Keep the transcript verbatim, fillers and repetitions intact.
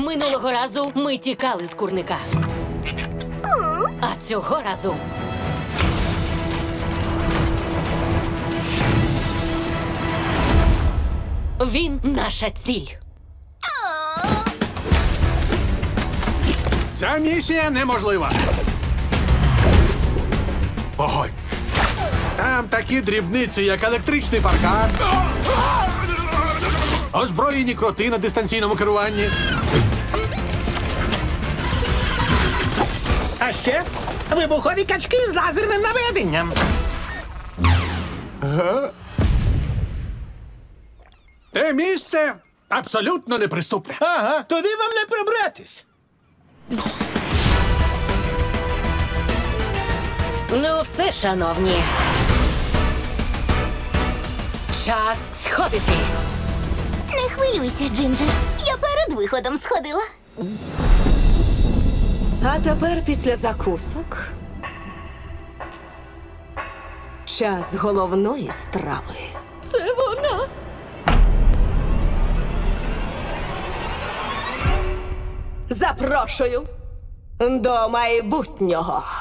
Минулого разу ми тікали з курника. А цього разу він наша ціль. Ця місія неможлива. Вогонь. Там такі дрібниці, як електричний паркан, озброєні кроти на дистанційному керуванні. А ще вибухові качки з лазерним наведенням. Те місце абсолютно неприступне. Ага, туди вам не пробратись. Ну все, шановні. Час сходити. Не хвилюйся, Джинджер. Я перед виходом сходила. А тепер після закусок час головної страви. Це вона. Запрошую до майбутнього.